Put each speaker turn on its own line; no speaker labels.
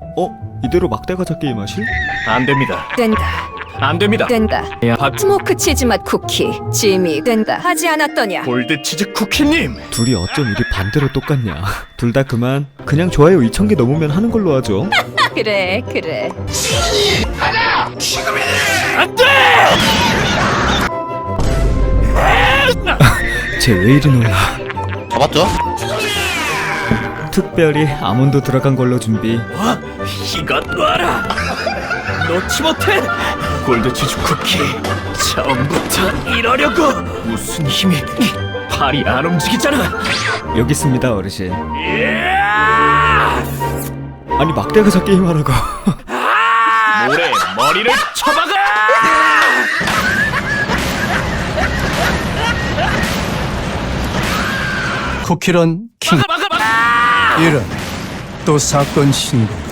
이대로 막대가자 게임 하실?
안 됩니다.
된다.
안 됩니다.
된다.
야,
스모크 치즈 맛 쿠키. 짐이 된다. 하지 않았더냐?
골드 치즈 쿠키님.
둘이 어쩜 이리 반대로 똑같냐. 둘 다 그만. 그냥 좋아요 2,000개 넘으면 하는 걸로 하죠.
그래 그래.
안 돼!
쟤 왜 이리 놀라.
잡았죠?
특별히 아몬드 들어간 걸로 준비.
이것 놔라. 놓지 못해. 골드 치즈 쿠키. 처음부터 이러려고. 무슨 힘이? 팔이 안 움직이잖아.
여기 있습니다 어르신.
이야!
아니 막대가자 게임 하라고.
모래 머리를 쳐박아!
쿠키런 킹.
막아!
이런 또 사건 신고.